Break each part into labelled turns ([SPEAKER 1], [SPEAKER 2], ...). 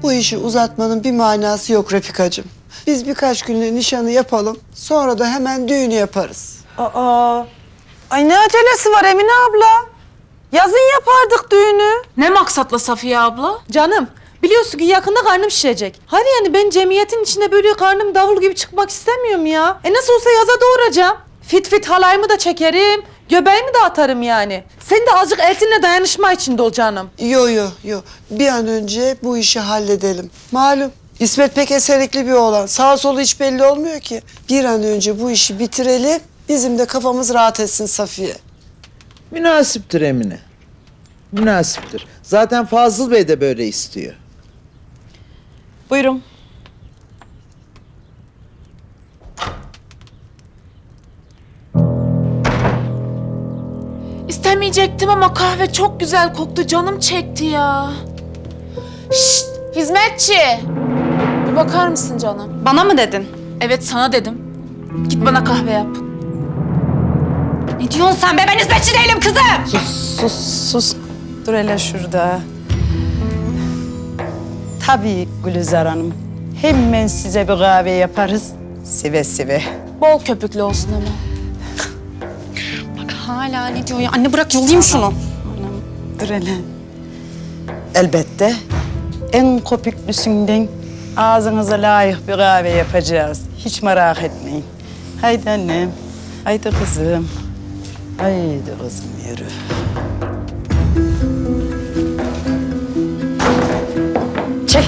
[SPEAKER 1] Bu işi uzatmanın bir manası yok Refikacığım. Biz birkaç günlüğüne nişanı yapalım, sonra da hemen düğünü yaparız.
[SPEAKER 2] Aa, ay ne acelesi var Emine abla? Yazın yapardık düğünü.
[SPEAKER 3] Ne maksatla Safiye abla?
[SPEAKER 2] Canım, biliyorsun ki yakında karnım şişecek. Hadi yani ben cemiyetin içinde böyle karnım davul gibi çıkmak istemiyorum ya. Nasıl olsa yaza doğuracağım. Fit fit halayımı da çekerim, göbeğimi de atarım yani. Sen de azıcık eltinle dayanışma içinde ol canım.
[SPEAKER 1] Yo. Bir an önce bu işi halledelim. Malum İsmet pek eserikli bir oğlan. Sağ solu hiç belli olmuyor ki. Bir an önce bu işi bitirelim. Bizim de kafamız rahat etsin Safiye.
[SPEAKER 4] Münasiptir Emine. Münasiptir. Zaten Fazıl Bey de böyle istiyor.
[SPEAKER 2] Buyurun.
[SPEAKER 3] İstemeyecektim ama kahve çok güzel koktu. Canım çekti ya. Şşt, hizmetçi. Bir bakar mısın canım?
[SPEAKER 5] Bana mı dedin?
[SPEAKER 3] Evet, sana dedim. Git bana kahve yap.
[SPEAKER 5] Ne diyorsun sen be? Ben hizmetçi değilim kızım.
[SPEAKER 6] Sus. Dur hele şurada. Tabii Gülizar Hanım. Hemen size bir kahve yaparız. Sive sive.
[SPEAKER 3] Bol köpüklü olsun ama.
[SPEAKER 5] Bak hala ne diyor ya? Anne bırak yollayayım şunu.
[SPEAKER 6] Dur hele. Elbette en kopüklüsünden ağzınıza layık bir kahve yapacağız. Hiç merak etmeyin. Haydi annem. Haydi kızım. Haydi kızım yürü.
[SPEAKER 5] Çek.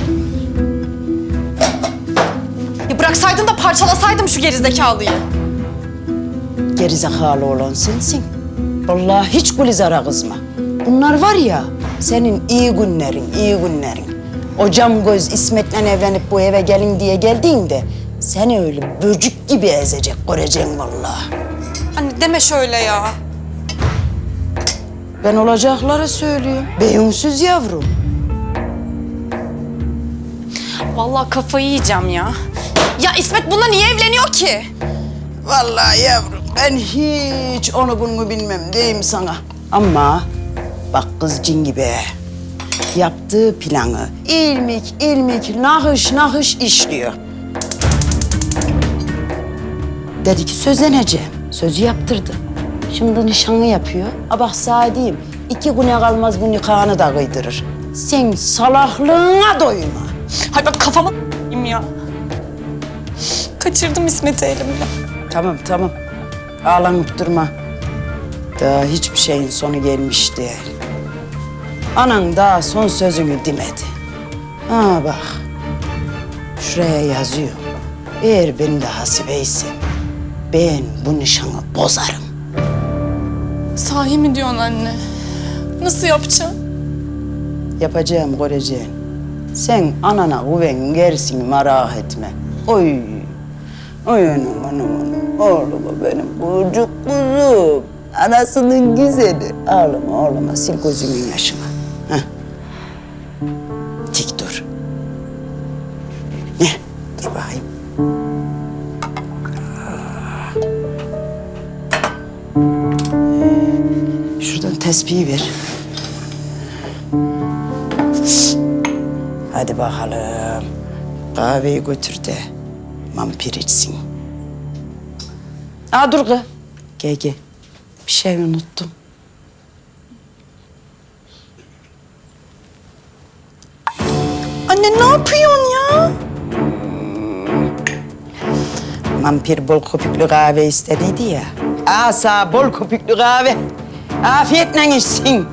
[SPEAKER 5] Ya bıraksaydın da parçalasaydım şu gerizekalıyı.
[SPEAKER 6] Gerizekalı olan sensin. Vallahi hiç Gülizar'a kızma. Bunlar var ya, senin iyi günlerin. O cam göz İsmet'le evlenip bu eve gelin diye geldiğinde seni öyle böcük gibi ezecek, göreceksin vallahi.
[SPEAKER 5] Anne deme şöyle ya.
[SPEAKER 6] Ben olacakları söylüyorum. Beyunsuz yavrum.
[SPEAKER 5] Vallahi kafayı yiyeceğim ya. Ya İsmet bununla niye evleniyor ki?
[SPEAKER 6] Vallahi yavrum, ben hiç onu bunu bilmem diyeyim sana. Ama bak kız cin gibi. Yaptığı planı ilmik nahış işliyor. Dedi ki sözleneceğim. Sözü yaptırdı. Şimdi nişanı yapıyor. A bak sana diyeyim, 2 güne kalmaz bu nikahını da kıydırır. Sen salaklığına doyma.
[SPEAKER 5] Hay bak kafama ya. Kaçırdım İsmet'i elimden.
[SPEAKER 6] Tamam. Ağlanıp durma. Daha hiçbir şeyin sonu gelmiş değil. Anan daha son sözünü demedi. Ha bak. Şuraya yazıyor. Eğer ben de hasibeysen ben bu nişanı bozarım.
[SPEAKER 5] Sahi mi diyorsun anne? Nasıl yapacağım?
[SPEAKER 6] Yapacağım, göreceğim. Sen anana güven gerisini merak etme. Oy anam. Oğlum benim çocuk kuzum. Anasının güzeli. Ağlama, sil gözünün yaşını. Heh. Dik dur. Ne? Dur bakayım. Şuradan tespihi ver. Hadi bakalım. Kahveyi götür de vampir içsin. Aa dur kız. Gel. Bir şey unuttum.
[SPEAKER 5] Anne ne yapıyorsun ya?
[SPEAKER 6] Vampir bol köpüklü kahve istediydi ya. Asa bol köpüklü kahve. Afiyetle içsin.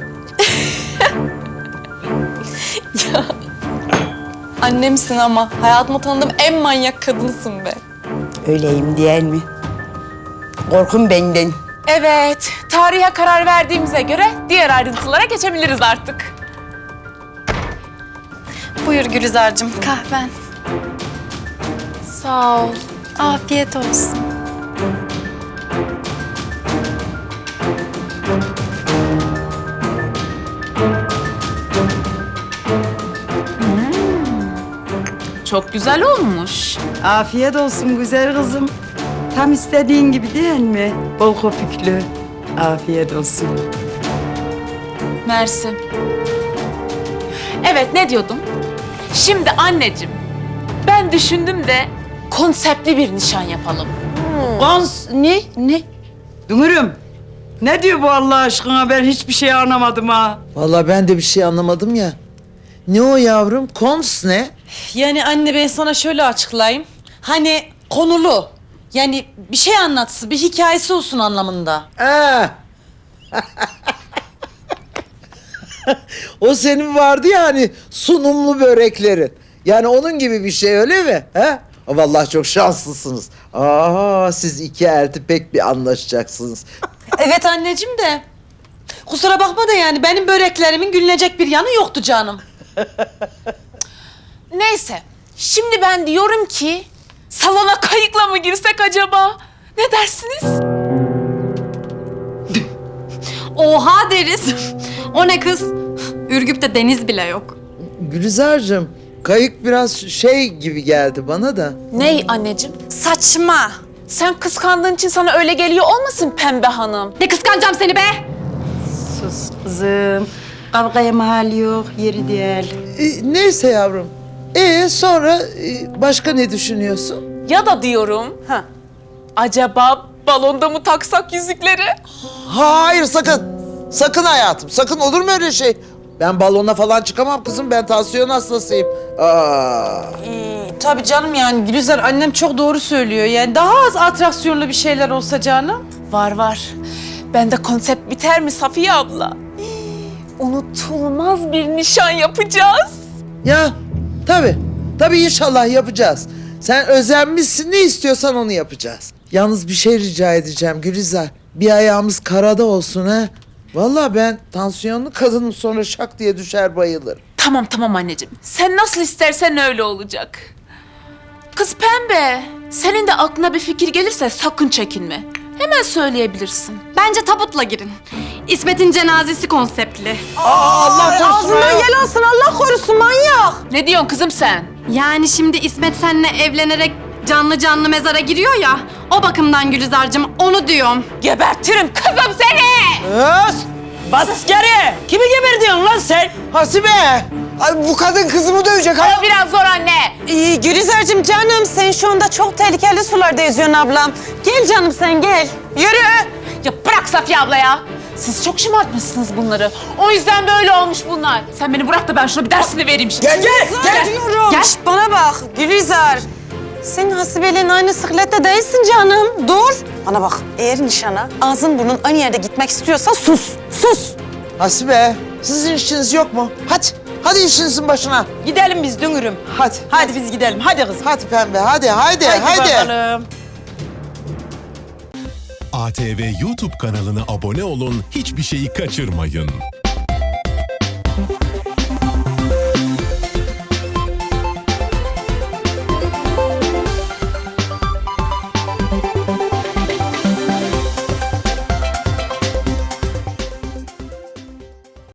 [SPEAKER 5] Annemsin ama hayatımda tanıdığım en manyak kadınsın be.
[SPEAKER 6] Öyleyim değil mi? Korkun benden.
[SPEAKER 3] Evet, tarihe karar verdiğimize göre diğer ayrıntılara geçebiliriz artık.
[SPEAKER 5] Buyur Gülizar'cığım kahven.
[SPEAKER 3] Sağ ol.
[SPEAKER 5] Afiyet olsun.
[SPEAKER 3] Çok güzel olmuş.
[SPEAKER 6] Afiyet olsun güzel kızım. Tam istediğin gibi değil mi? Bol köpüklü. Afiyet olsun.
[SPEAKER 3] Mersi. Evet, ne diyordum? Şimdi anneciğim, ben düşündüm de konseptli bir nişan yapalım.
[SPEAKER 6] Ne? Dünürüm. Ne diyor bu Allah aşkına? Ben hiçbir şey anlamadım ha.
[SPEAKER 4] Vallahi ben de bir şey anlamadım ya. Ne o yavrum? Kons ne?
[SPEAKER 2] Yani anne ben sana şöyle açıklayayım. Hani konulu. Yani bir şey anlatsın, bir hikayesi olsun anlamında.
[SPEAKER 4] Ha. O senin vardı ya hani sunumlu böreklerin. Yani onun gibi bir şey öyle mi? Ha? Vallahi çok şanslısınız. Aa, siz iki elti pek bir anlaşacaksınız.
[SPEAKER 2] Evet anneciğim de. Kusura bakma da yani benim böreklerimin gülünecek bir yanı yoktu canım.
[SPEAKER 3] Neyse, şimdi ben diyorum ki salona kayıkla mı girsek acaba? Ne dersiniz?
[SPEAKER 5] Oha deriz. O ne kız? Ürgüp'te deniz bile yok.
[SPEAKER 4] Gülizar'cığım, kayık biraz şey gibi geldi bana da.
[SPEAKER 3] Ney anneciğim?
[SPEAKER 5] Saçma.
[SPEAKER 3] Sen kıskandığın için sana öyle geliyor olmasın Pembe Hanım?
[SPEAKER 5] Ne kıskanacağım seni be?
[SPEAKER 6] Sus kızım. Kavgaya mahal yok, yeri değil.
[SPEAKER 4] Neyse yavrum. Sonra başka ne düşünüyorsun?
[SPEAKER 3] Ya da diyorum, acaba balonda mı taksak yüzükleri?
[SPEAKER 4] Hayır sakın. Sakın hayatım. Sakın olur mu öyle şey? Ben balona falan çıkamam kızım. Ben tansiyon hastasıyım. Aa.
[SPEAKER 2] Tabii canım yani Gülizar annem çok doğru söylüyor. Yani daha az atraksiyonlu bir şeyler olsa canım.
[SPEAKER 3] Var. Bende konsept biter mi Safiye abla? Unutulmaz bir nişan yapacağız.
[SPEAKER 4] Ya tabii. Tabii inşallah yapacağız. Sen özenmişsin, ne istiyorsan onu yapacağız. Yalnız bir şey rica edeceğim Gülizar. Bir ayağımız karada olsun ha. Vallahi ben tansiyonlu kadınım, sonra şak diye düşer bayılır.
[SPEAKER 3] Tamam anneciğim. Sen nasıl istersen öyle olacak. Kız Pembe, senin de aklına bir fikir gelirse sakın çekinme. Hemen söyleyebilirsin.
[SPEAKER 5] Bence tabutla girin. İsmet'in cenazesi konseptli.
[SPEAKER 4] Allah korusun.
[SPEAKER 2] Gel alsın Allah korusun manyak.
[SPEAKER 3] Ne diyorsun kızım sen?
[SPEAKER 5] Yani şimdi İsmet seninle evlenerek canlı canlı mezara giriyor ya. O bakımdan Gülizar'cığım onu diyorum.
[SPEAKER 3] Gebertirim kızım seni!
[SPEAKER 6] Bas geri! Kimi geberdiyorsun lan sen?
[SPEAKER 1] Hasibe! Ay bu kadın kızımı dövecek ha.
[SPEAKER 3] Biraz zor anne.
[SPEAKER 2] Gülizar'cığım canım sen şu anda çok tehlikeli sularda yüzüyorsun ablam. Gel canım sen gel.
[SPEAKER 3] Yürü! Ya bırak Safiye abla ya. Siz çok şımartmışsınız bunları. O yüzden böyle olmuş bunlar. Sen beni bırak da ben şuna bir dersini vereyim şimdi.
[SPEAKER 1] Gel.
[SPEAKER 2] diyorum.
[SPEAKER 3] Gel.
[SPEAKER 2] Şişt, bana bak Gülizar. Sen Hasibe'yle aynı sıklette değilsin canım. Dur. Bana bak eğer nişana ağzın burnun aynı yerde gitmek istiyorsa sus. Sus.
[SPEAKER 4] Hasibe, sizin işiniz yok mu? Hadi işinizin başına.
[SPEAKER 6] Gidelim biz dünürüm.
[SPEAKER 4] Hadi.
[SPEAKER 6] Hadi biz gidelim. Hadi kızım.
[SPEAKER 4] Hadi pembe, hadi.
[SPEAKER 6] bakalım.
[SPEAKER 7] ATV YouTube kanalına abone olun, hiçbir şeyi kaçırmayın.